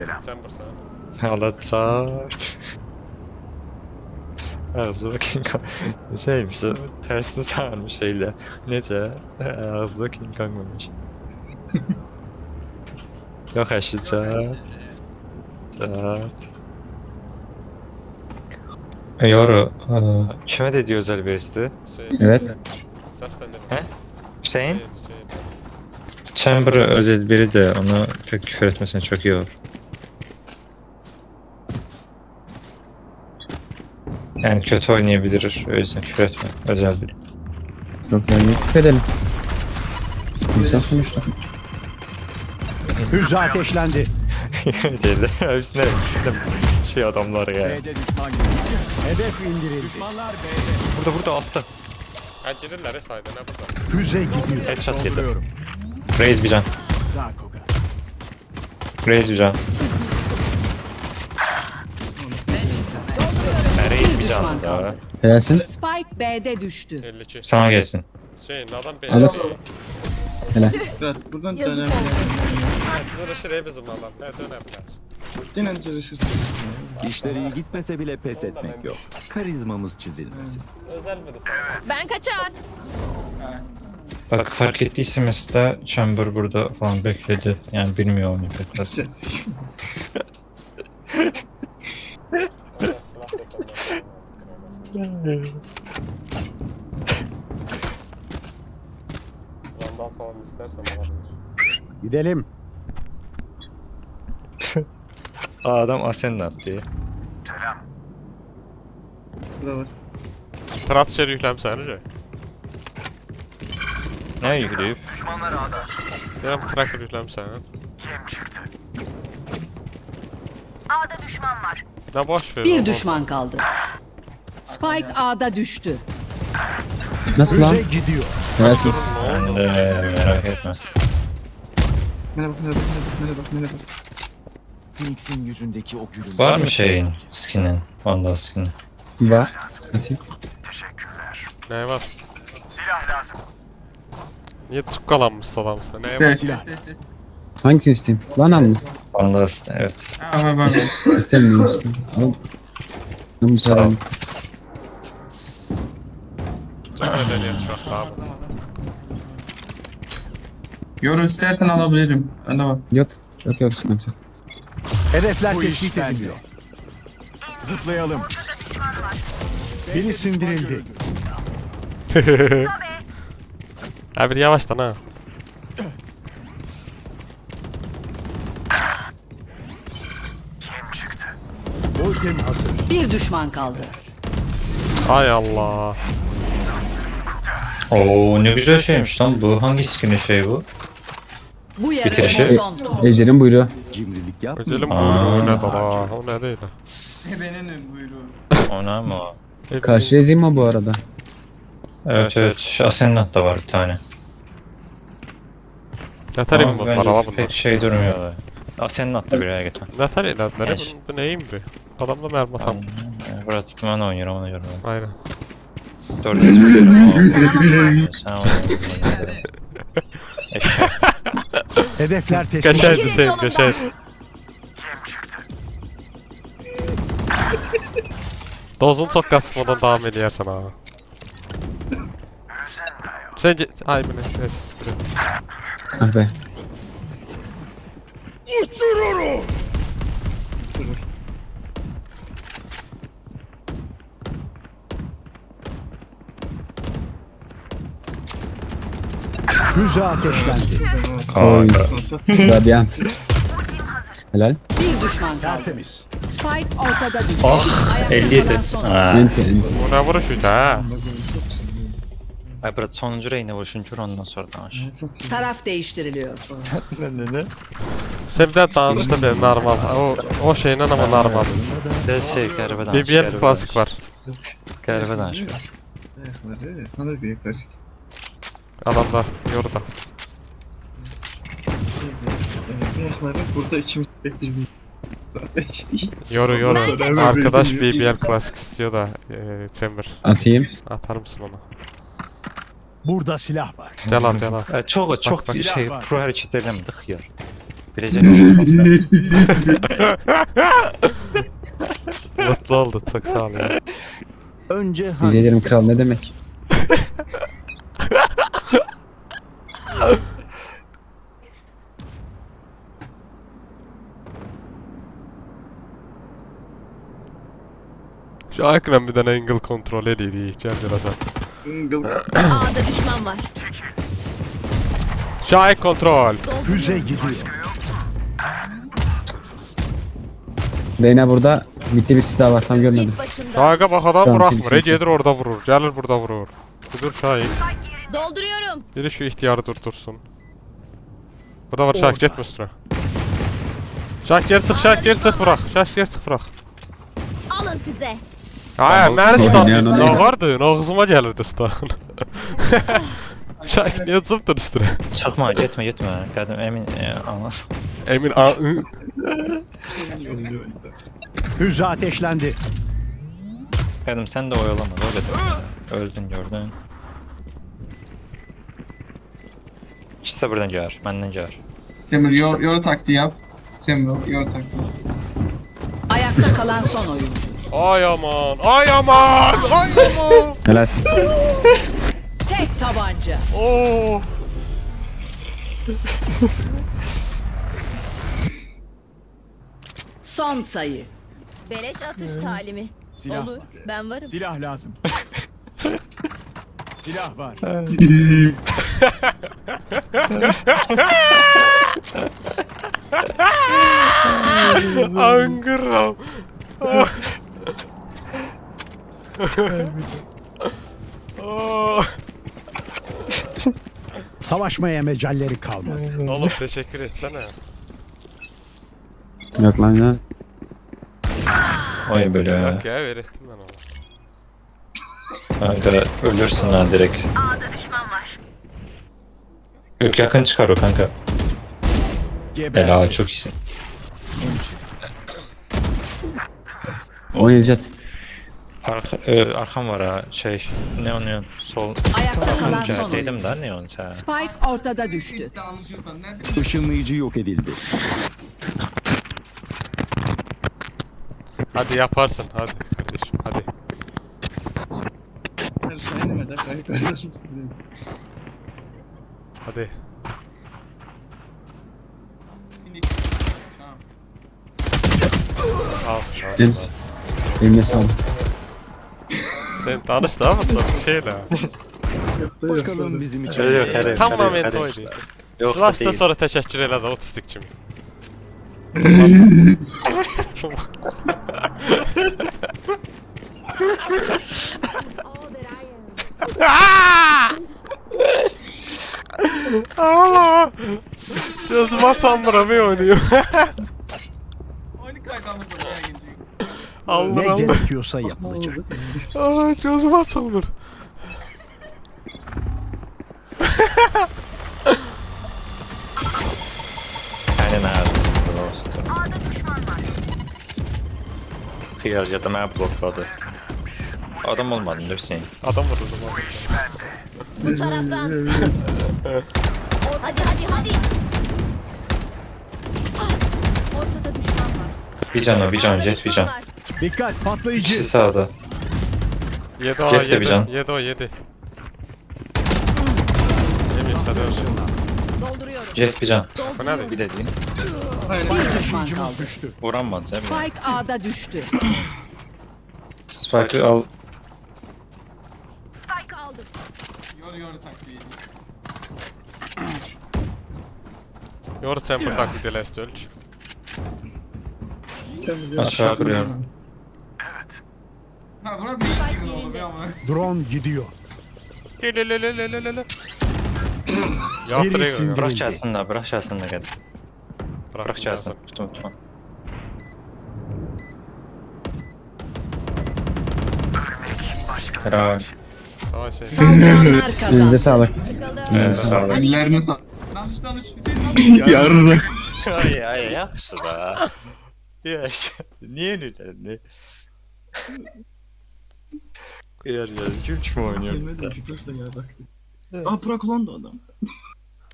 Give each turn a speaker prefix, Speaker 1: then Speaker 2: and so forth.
Speaker 1: Chamber sana.
Speaker 2: Alacak. Ağzı King Kong. Şeymiş de tersini sarmış şeyle. Nece? Ağzı King Kong'muş. Yok aşacak. Yoru. Kime dediği özel birisi?
Speaker 3: Evet.
Speaker 1: Seslendirme.
Speaker 2: He? Hüseyin?
Speaker 1: Şey.
Speaker 2: Chamber özel biri de onu pek küfür etmesine çok iyi olur. Yani kötü oynayabilir, o yüzden küfür etme. Özel biri.
Speaker 3: Yok yani küfür edelim. İnsan sonuçta.
Speaker 4: Hücre ateşlendi.
Speaker 2: Dedi. Hepsine şey adamlar ya.
Speaker 4: B'de düşman görüldü. Hedef indirildi. Düşmanlar B'de.
Speaker 2: Burada altta.
Speaker 1: Acilirler saydı ne burada?
Speaker 4: Füze gidiyor.
Speaker 2: Headshot yedi.
Speaker 4: Dolduruyorum.
Speaker 2: Raise bir can.
Speaker 4: Zakoga.
Speaker 2: Raise bir can. Raise bir can
Speaker 5: Düşman
Speaker 2: daha.
Speaker 5: kaldı.
Speaker 3: Helalsin.
Speaker 5: Spike B'de düştü.
Speaker 1: 52.
Speaker 2: Sana gelsin.
Speaker 1: Şey adam belli.
Speaker 3: Alırsın. Helal.
Speaker 6: Evet, buradan
Speaker 5: Yazık
Speaker 6: dönelim.
Speaker 1: Zırışır bizim adam. Ne dönemler.
Speaker 6: Yine çalışır.
Speaker 7: İşleri iyi gitmese bile pes etmek yok. Karizmamız çizilmesin.
Speaker 1: Özel biri sana.
Speaker 5: Ben kaçar.
Speaker 2: Bak fark ettiyse mesela Chamber burada falan bekledi. Yani bilmiyor onu pek biraz.
Speaker 1: Ona silah da senden. Vandal falan istersen olabilir.
Speaker 4: Gidelim.
Speaker 2: Adam Asen'le attı.
Speaker 6: Burada var.
Speaker 1: Transfer yüklemsen önce.
Speaker 2: Ne yükleyip?
Speaker 1: Yarım tracker yüklemsen.
Speaker 8: A'da düşman var.
Speaker 1: Ne boş ver.
Speaker 5: Bir
Speaker 1: oğlum.
Speaker 5: düşman kaldı. Spike A'da düştü.
Speaker 3: Nasıl lan?
Speaker 4: Füze gidiyor.
Speaker 3: Helalsiniz.
Speaker 2: Ben de merak etme.
Speaker 6: Merhaba.
Speaker 7: Phoenix'in yüzündeki o gülüm.
Speaker 2: Var mı şeyin skinin? Vandal skinin.
Speaker 3: Var. Atayım.
Speaker 1: Ne var? Silah lazım. Niye tukkalanmış adamsın? Ne var?
Speaker 6: Silah.
Speaker 3: Hangisini isteyeyim? Lan al mı?
Speaker 2: Vandal skin, evet.
Speaker 6: Bak.
Speaker 3: İstemiyorsun. Al. Ben bu
Speaker 2: Sağ ol.
Speaker 3: sefer.
Speaker 1: Çok medeniyet şu an. Tamam.
Speaker 6: Yorum istersen alabilirim. Öyle bak.
Speaker 3: Yok. Yok sıkıntı yok.
Speaker 4: Hedefler tespit ediliyor. Zıplayalım. Biri sindirildi.
Speaker 1: Abi yavaştan ha.
Speaker 4: Ultim hazır.
Speaker 5: Bir düşman kaldı.
Speaker 1: Ay Allah.
Speaker 2: Oo ne güzel şeymiş lan bu. Hangi skinin şey bu?
Speaker 5: Bu yarı
Speaker 2: Bitirişi.
Speaker 5: son tur.
Speaker 3: Ejder'in buyruğu.
Speaker 7: Cimrilik yapma.
Speaker 1: Öcelim
Speaker 2: Aa.
Speaker 1: buyruğu ne dala. O ne değil.
Speaker 6: Benim buyruğu.
Speaker 2: Ona mı o?
Speaker 3: Karşı ezeyim mi bu arada?
Speaker 2: Evet. Şu Ascendant da var bir tane.
Speaker 1: Yatarım
Speaker 2: Ama
Speaker 1: bunlar
Speaker 2: bence
Speaker 1: ala bunlar.
Speaker 2: pek şey durmuyor. Ascendant da bir yere getir.
Speaker 1: Yatar ilerleri.
Speaker 2: Eş.
Speaker 1: Bu neyim bu? Adamda mermi atam.
Speaker 2: Burada ben oynuyorum ona göre.
Speaker 1: Aynen.
Speaker 2: 4 ismi. Sen oynuyorsun. Eşek.
Speaker 4: Hedefler tespit
Speaker 1: Geçer
Speaker 4: edildi.
Speaker 1: Hüseyin geçer. Dozun çok kasmadan devam ediyorsan ha. Sence... Ay bu ne? Neyse.
Speaker 3: Ah be.
Speaker 4: Füze ateşlendi.
Speaker 3: Oy.
Speaker 6: Olsa.
Speaker 3: Radyant. Helal.
Speaker 5: Bir düşman kaldı.
Speaker 4: Tertemiz.
Speaker 5: Spike ortada düştü.
Speaker 2: Ah
Speaker 5: Ayakta
Speaker 2: 57.
Speaker 5: kalan son.
Speaker 2: Ha.
Speaker 3: Enti enti.
Speaker 1: Bu ne vuruşuydu ha?
Speaker 2: Ay burada sonuncu reyne vuruşuncu ondan sonra danış.
Speaker 5: Taraf değiştiriliyor.
Speaker 2: Ne?
Speaker 1: Sen bir daha danışta bir normal. O şeyle ama normal.
Speaker 2: Biraz şey garibe danış.
Speaker 1: BBL klasik var.
Speaker 2: Garibe danış.
Speaker 6: Ayakları. Alır bir klasik.
Speaker 1: Adamlar yorda.
Speaker 6: Gençler burada içimiz bekliyor. Zaten hiç değil.
Speaker 1: Yoru.
Speaker 6: Ben
Speaker 1: Arkadaş
Speaker 6: kaçar.
Speaker 1: BBL klasik istiyor da Chamber.
Speaker 3: Atayım.
Speaker 1: Atar mısın onu?
Speaker 4: Burada silah var.
Speaker 1: Gel al.
Speaker 2: Çok
Speaker 1: bak,
Speaker 2: bir şey
Speaker 4: silah var.
Speaker 2: pro hareket edemedik ya. Bileceğim.
Speaker 1: Mutlu oldu. Çok sağ ol ya.
Speaker 7: Önce
Speaker 3: Rica ederim
Speaker 7: hangisi?
Speaker 3: kral, ne demek?
Speaker 1: Şu ekran bir tane angle kontrol edeydi. Gel birazdan.
Speaker 5: A'da düşman var.
Speaker 1: Şahit kontrol.
Speaker 4: Füze gidiyor.
Speaker 3: Reyna burada. Bitti, bir silah var, tam görmedim.
Speaker 5: Git başımdan.
Speaker 1: Şahit'e bak adam
Speaker 3: Tamam,
Speaker 1: bırakmır.
Speaker 3: kimsin
Speaker 1: Gelir orada vurur. Gelir burada vurur. Dur Şahit.
Speaker 5: Dolduruyorum.
Speaker 1: Biri şu ihtiyarı durdursun. Burada var Şahit, gitme üstüne. Şahit geri çık, Şahit geri çık bırak. Şahit geri çık bırak.
Speaker 5: Alın size.
Speaker 1: Hayır, məni
Speaker 3: Oynayan
Speaker 1: stun
Speaker 3: onu
Speaker 1: ne
Speaker 3: oynar.
Speaker 1: vardı? Ağzıma gelirdi stun. Şahit niye zıptın üstüne?
Speaker 2: Çıkma, gitme. Kadın emin ama.
Speaker 1: Emin
Speaker 4: Füze ateşlendi.
Speaker 2: Kadın sen de oyalama. Öyle öldün gördün. İkisi de buradan gelir. Benden gelir.
Speaker 6: Semur yor taktiği yap. Semur yor taktiği.
Speaker 5: Ayakta kalan son oyun.
Speaker 1: Ay aman, ay aman, ay aman.
Speaker 3: Helalsin.
Speaker 5: Tek tabanca.
Speaker 1: Oo.
Speaker 5: Son sayı.
Speaker 9: Beleş atış talimi.
Speaker 4: Silah
Speaker 9: Olur,
Speaker 4: var.
Speaker 9: ben varım.
Speaker 4: Silah lazım. Silah var.
Speaker 1: Angıram.
Speaker 4: Savaşmaya mecalleri kalmadı.
Speaker 1: Oğlum teşekkür etsene.
Speaker 3: Yok lan ya.
Speaker 2: Oy böyle.
Speaker 1: Yok ya, öğrettim ben ona.
Speaker 2: Kanka ölürsün lan direkt.
Speaker 8: A'da düşman var.
Speaker 2: Yok yakın çıkar o kanka.
Speaker 4: Geber.
Speaker 2: Helal çok iyisin.
Speaker 3: Oynayacak.
Speaker 2: Arkam var ha şey ne onu sol.
Speaker 5: Ayakta kalan son oyun.
Speaker 2: Dedim da ne onu sen.
Speaker 5: Spike ortada düştü.
Speaker 7: Işınlayıcı yok edildi.
Speaker 1: Hadi yaparsın, hadi kardeşim, hadi. Hadi. Alsın, alsın,
Speaker 3: Evet.
Speaker 1: alsın.
Speaker 3: Eline sağlık.
Speaker 1: Sen tanıştın ama tabii şeyle.
Speaker 7: Bakalım bizim için.
Speaker 1: Tamamen oydu. Slas'tan sonra teşekkür elədi otistikçim. Allah! Gözüm atanmıram oynuyor. Allah
Speaker 4: Ne
Speaker 1: Allah.
Speaker 4: gerekiyorsa yapılacak.
Speaker 1: Aa, gözüm açılmır.
Speaker 2: Aynen abi. Olsun.
Speaker 8: A'da düşman var.
Speaker 2: Kıyar ya da ben blokladı. Adam olmadın Hüseyin.
Speaker 1: Adam vuruldu bu.
Speaker 9: Bu taraftan. Hadi. Ah, ortada düşman var.
Speaker 2: Bir can jet bir can.
Speaker 9: Var.
Speaker 4: Dikkat, patlayıcı.
Speaker 2: İkisi sağda.
Speaker 1: 7 o
Speaker 2: Jet de bir
Speaker 1: 7.
Speaker 2: can.
Speaker 1: 7 o 7. Yemin sana.
Speaker 9: Dolduruyorum.
Speaker 2: Jet bir can.
Speaker 1: Bu ne değil?
Speaker 2: Bir de değil.
Speaker 5: Bir düşman kaldı.
Speaker 4: Düştü.
Speaker 2: Vuramaz sen.
Speaker 5: Spike A'da düştü.
Speaker 2: Spike'ı al.
Speaker 8: Spike aldım.
Speaker 1: Yor chamber taklit elə ölç.
Speaker 2: Aşağı kırıyorum.
Speaker 9: Spike yerinde.
Speaker 4: Drone gidiyor.
Speaker 1: Lelelelelelele. Ya
Speaker 4: Birisi
Speaker 1: direkt
Speaker 4: indir.
Speaker 2: Bırak çalsınlar, bırak çalsınlar hadi. Bırak
Speaker 1: bırak
Speaker 2: çalsın. Tutma. Helal.
Speaker 1: Tamam şey.
Speaker 5: Saldıranlar
Speaker 3: Elinize
Speaker 5: kazandı.
Speaker 3: sağlık.
Speaker 9: Sıkıldım.
Speaker 3: Elinize sağlık.
Speaker 6: Ellerine sağ.
Speaker 3: Yarın.
Speaker 2: Ay yaxşı da. Yaxşı. Niye öyle? Yer gülç mü oynuyor?
Speaker 6: Aa bırak ulan da adam.